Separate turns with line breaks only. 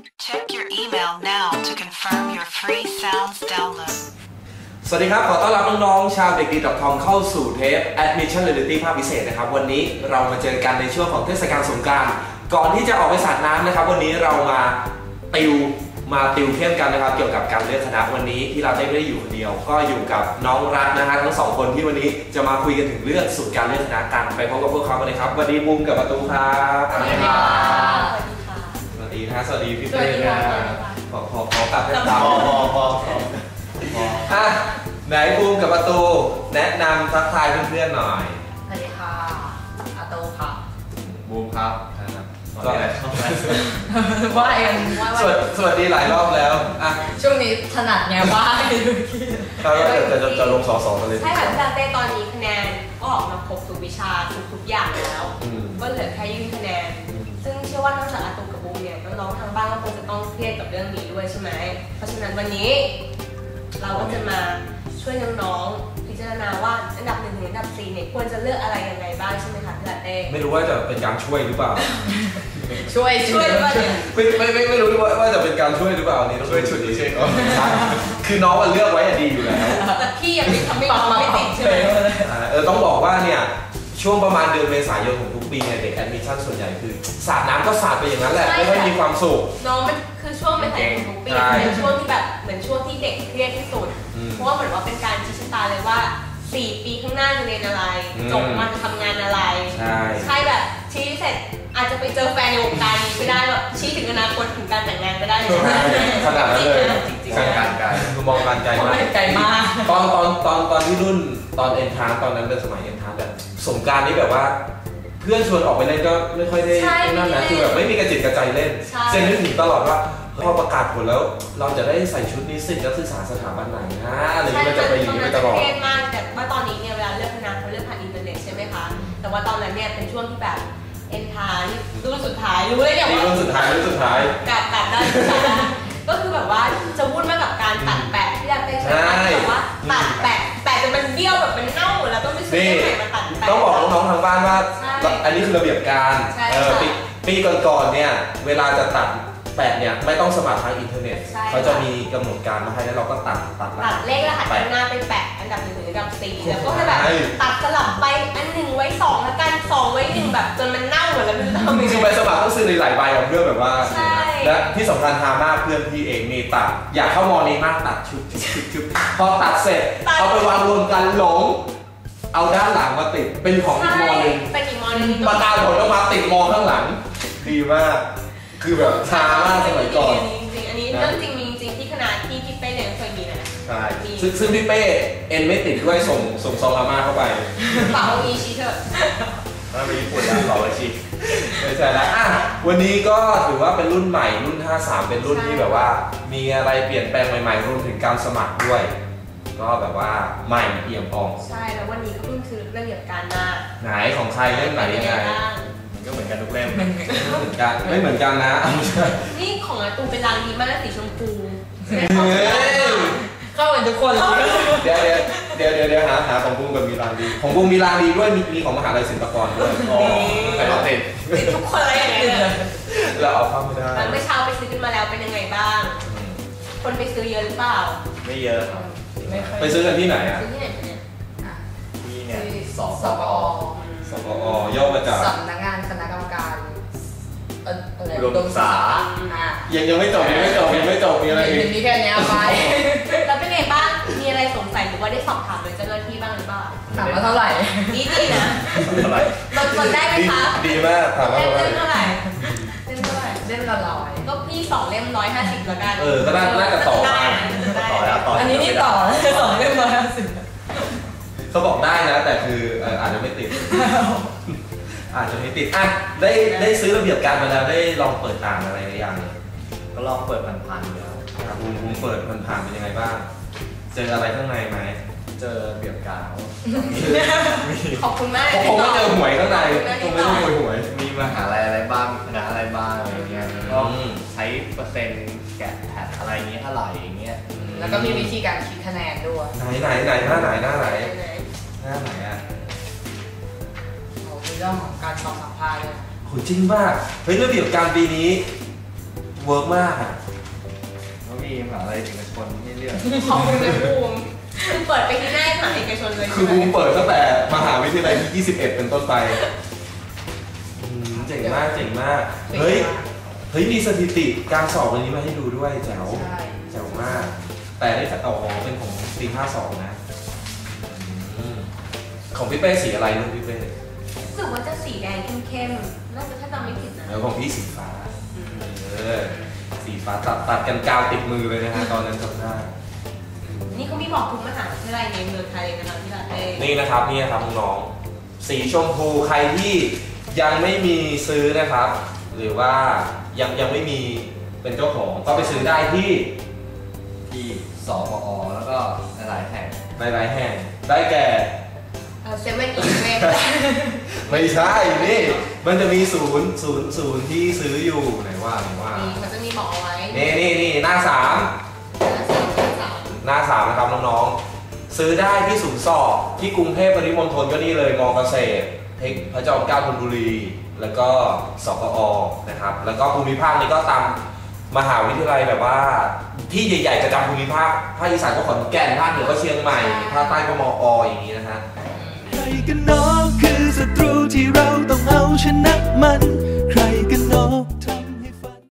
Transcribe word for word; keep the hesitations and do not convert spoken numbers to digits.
Check your email now to confirm your free sounds download
สวัสดีครับขอต้อนรับน้องๆชาวเด็กดี .com เข้าสู่เทป Admission Reality ภาคพิเศษนะครับวันนี้เรามาเจอกันในช่วงของเทศกาลสงกรานต์ก่อนที่จะออกไปสาดน้ำนะครับวันนี้เรามาติวมาติวเข้มกันนะครับเกี่ยวกับการเลือกคณะวันนี้ที่เราได้ไม่ได้อยู่คนเดียวก็อยู่กับน้องรักนะฮะทั้งสองคนที่วันนี้จะมาคุยกันถึงเรื่องสูตรการเลือกคณะกันไปพบกับพวกเขากันเลยครับสวัสดีมุมกับประตูครับสวัสดีครับสวัสดีนะสวัสดีพี่เป้นะขอขอขอกลับให้ตามพอพอพอพออ่ะไหนมุมกับประตูแนะนำทักทายเพื่อนๆหน่อย
สวัสดีค่ะอาตูค่ะ
บูมครับก็อะไร
ว่าเอง
สวัสดีสวัสดีหลายรอบแล้วอ่ะ
ช่วงนี้ถนัดไงว่า
เราจะจะจะลงสอสอกันเลย
ใช่ค่ะพี่ลาเต้ตอนนี้คะแนนก็ออกมาครบทุกวิชาทุกอย่างแล้วก็เหลือแค่ยื่นคะแนนซึ่งเชื่อว่านอกจากอาตูกับบูมเนี่ยน้องๆทางบ้านก็คงจะต้องเครียดกับเรื่องนี้ด้วยใช่ไหมเพราะฉะนั้นวันนี้เราก็จะมาช่วยน้องๆพิจารณาว่าอันดับหนึ่งถึงอันดับสี่เนี่ยควรจะเลือกอะไรยังไงบ้างใช่ไหมคะพี่ลาเต้
ไม่รู้ว่าจะเป็นการช่วยหรือเปล่า
ช่วย
ช่วยว่า
ไม่ไม่ไม่ไม่รู้ว่าว่าจะเป็นการช่วยหรือเปล่านี่ต้องช่วยฉุดดีใช่ไหมคือน้องมันเลือกไว้ดีอยู่แล้ว
แต่พี่ยังไม่ทำไม่ไม่ติดใช่ไหม
เออต้องบอกว่าเนี่ยช่วงประมาณเดือนเมษายนของทุกปีเนี่ยเด็กแอดมิชชั่นส่วนใหญ่คือสาดน้ำก็สาดไปอย่างนั้นแหละไม่ค่อยมีความสุข
น้องมันคือช่วงเมษายนของทุกปีเป็นช่วงที่แบบเหมือนช่วงที่เด็กเครียดที่สุดเพราะว่าเหมือนว่าเป็นการชี้ชะตาเลยว่าสี่ปีข้างหน้าจะเรียนอะไรจบมาจะทำงานอะไรใช่แบบชี้เสร็จอาจจะไปเจอแฟนในวงการนี้ก็ได้แบบชี้ถึงอนาคตถึงการแต่งงานก็ได้เลย
ขนาดนั้นเลยการไกลคือมองการไกลมาก
ไกลมาก
ตอนตอนตอนตอนที่รุ่นตอนเอ็นทาร์ตอนนั้นเป็นสมัยเอ็นทาร์แบบสงการนี้แบบว่าเพื่อนชวนออกไปเล่นก็ไม่ค่อยได้นั่นนะคือแบบไม่มีกระจิตกระใจเล่นเจนนึกถึงตลอดว่าพอประกาศผลแล้วเราจะได้ใส่ชุดนิสิตนักศึกษาสถาบันไหนนะอะไรอย่างเงี้ยจะไปอยู่ไปตลอด
เครียดมากแต่ว่าตอนนี้เนี่ยเวลาเลือกคณะเขาเลือกผ่านอินเทอร์เน็ตใช่ไหมคะแต่ว่าตอนนั้นเนี่ยเป็นช่วงที่แบบเอ็นทาร์รุ่นสุดท้ายรู้เลยเนี่ยว่า
รุ่นสุดท้ายรุ่นสุดท้าย
กับกับด้านสุดท้ายก็คือแบบว่าจะวุ่นมากกับการตัดแปะที่เราเป็นใช่ไหมแบบว่าตัดแปะแปะจนมันเบี้ยวแบบมันเน่าหมดแล้วต้องไปซื้อใหม่มาตัดแปะ
ต้องบอกน้องๆทางบ้านว่าอันนี้คือระเบียบการปีก่อนๆเนี่ยเวลาจะตัดแปะเนี่ยไม่ต้องสมัครทางอินเทอร์เน็ตเขาจะมีกำหนดการมาให้แล้วเราก็ตัดตัด
ตัดเลขรหัสหน้าไปแปะอันดับหนึ่งถึงอันดับสี่แล้วก็ให้แบบตัดสลับไปอันหนึ่งไว้สองแล้วกันสองไว้หนึ่งแบบจนมันเน่าหมดแล้วไม่รู้จะทำยังไง
คือใบสมัครต้องซื้อในหลายใบของเพื่อนแบบว่าและที่สำคัญฮามากเพื่อนพี่เองมีตัดอยากเข้ามอนี้มากตัดชุดชุดพอตัดเสร็จเอาไปวางรวมกันหลงเอาด้านหลังมาติดเป็นของอีกมอนึง
เป็นอีกมอนึง
ประกาศผลออกมาติดมอข้างหลังดีมากคือแบบช้ามากสมัยก่อน
จริงๆอันนี้เรื่องจริงมีจริงที่ขนาดที่พี่เป้เรียนเคยมีนะ
ใช่ซึ่งพี่เป้เอ็นไม่ติดด้วยส่งส่งซองอาม่าเข้าไป
เป่าอีชีเถอะ
ถ้าไปญี่ปุ่นแล้วเป่าอีชีไม่ใช่แล้วอ่ะวันนี้ก็ถือว่าเป็นรุ่นใหม่รุ่นห้าสามเป็นรุ่นที่แบบว่ามีอะไรเปลี่ยนแปลงใหม่ๆรวมถึงการสมัครด้วยก็แบบว่าใหม่เอี่ยมอ่อง
ใช่แล้ววันนี้ก็เพิ่งคือระเบียบการหน้า
ไหนของใครเล่มไหนยังไงก็เหมือนกันทุกเล่มไม่เหมือนกันไม่เหมือนกันนะ
นี่ของอาตูเป็นรางดีมากสีชมพู
เข้ากันทุกคน
เดี๋ยวเดี๋ยวเดี๋ยวเดี๋ยวหาหาของบูมกับมีรางดีของบูมมีรางดีด้วยมีมีของมหาลัยศิลปากรด้วยอ๋อแต่เราติด
ติดทุกคนเลยอย่างเงี้ย
เราเอาเข้าไม่ได้
เมื่อเช้าไปซื้อกันมาแล้วเป็นยังไงบ้างคนไปซื้อเยอะหรือเปล่า
ไม่เยอะครับไปซื้อกันที่ไหนอ่ะ
ที่ไหนเนี่ย
ที่เนี่ยสป
สป
สปอย่อมาจาก
สำนักงานคณะกรรมการ
อุดมศึกษายังยังไม่จบยังไม่จบยังไม่จบมีอะไรอีก
มีแค่นี้ไป
แล้วเป็นไงบ้างมีอะไรสงสัยหรือว่าได้สอบถามโดยเจ้าหน้าที่บ้างหรือเปล่า
ถามว่าเท่าไหร่
นี่ดีนะ
เท่าไหร่
ลดได้ไหมคะ
ดีมากถามว่าเ
ล่มเท่าไหร่เล่มเท่าไหร่
เล่มละร้อย
ก็พี่สองเล่มร้อยห้าสิบแล้วกัน
เออก็ได้น่าจะต่อได้
ต่อแล้วต่ออันนี้นี่ต่อสองเล่มร้อยห้าสิบ
เขาบอกได้นะแต่คืออาจจะไม่ติดอาจจะไม่ติดอ่ะได้ได้ซื้อระเบียบการมาแล้วได้ลองเปิดอ่านอะไรหรือยัง
ก็ลองเปิดผ่านๆแล้ว
บูมบูมเปิดผ่านๆเป็นยังไงบ้างเจออะไรข้างในไหม
เจอระเบียบการ
ขอบคุณมาก
คงไม่เจอหวยข้างในคงไม่เจอหวยหวย
มีมหาลัยอะไรบ้างคณะอะไรบ้างอะไรเงี้ยก็ใช้เปอร์เซ็นต์แกะแพทอะไรเงี้ยเท่าไหร่อย่างเงี้ย
แล้วก็มีวิธีการคิดคะแนนด้วย
ไหนไหนไหนหน้าไหนหน้าไหนหน้าไหนอ่ะ
เรื่องของการสอบสัมภาษณ์เลย
โหจริงป่ะเฮ้ยระเบียบการปีนี้เวิร์กมากอ่ะ
แล้วมีมหาอะไรเอกชนให้เลือก
ของคุณเป็นบูมเปิดไปที่หน้ามหาเอกชนเลย
คือบูมเปิดตั้งแต่มหาวิทยาลัยที่ยี่สิบเอ็ดเป็นต้นไปอืมเจ๋งมากเจ๋งมากเฮ้ยเฮ้ยมีสถิติการสอบวันนี้มาให้ดูด้วยแจ๋ว
ใช่
แจ๋วมาก แต่ได้จากอ๋อเป็นของปีห้าสองนะอืมของพี่เป้สีอะไรลูกพี่เป้
รู้สึกว่าจะสีแดงเข้มๆ น่าจะถ้าจำไม่ผิดนะ
แล้วของพี่สีฟ้าเออสีฟ้าตัดตัดกันกาวติดมือเลยนะฮะตอนนั้นจำได้
นี่เขามีบอกทุกมหาวิทยาลัยในเมืองไทยเลยนะคะที่ลาเต้
นี่นะครับนี่นะครับน้องๆสีชมพูใครที่ยังไม่มีซื้อนะครับ หรือว่ายังยังไม่มีเป็นเจ้าของก็ไปซื้อได้ที่
ที่สปอแล้วก็หลายๆแห่ง
หลายๆแห่งได้แก่
เซเว่นอีเวน
ไม่ใช่นี่มันจะมีศูนย์ศูนย์ศูนย์ที่ซื้ออยู่ไหนว่าไหนว่า
นี่เขาจะมีบอกเอาไว้
นี่นี่นี่หน้าสาม
หน้าสามหน้าสาม
หน้าสามนะครับน้องๆซื้อได้ที่ศูนย์สอบที่กรุงเทพปริมณฑลก็นี่เลยมอเกษตรเทคพระจอมเกล้าธนบุรี แล้วก็สปอนะครับแล้วก็ภูมิภาคนี้ก็ตามมหาวิทยาลัยแบบว่าที่ใหญ่ๆประจำภูมิภาคภาคอีสานก็ขอนแก่นภาคเหนือก็เชียงใหม่ภาคใต้ก็มออย่างนี้นะฮะ
ใครกันหนอคือศัตรูที่เราต้องเอาชนะมัน ใครกันหนอ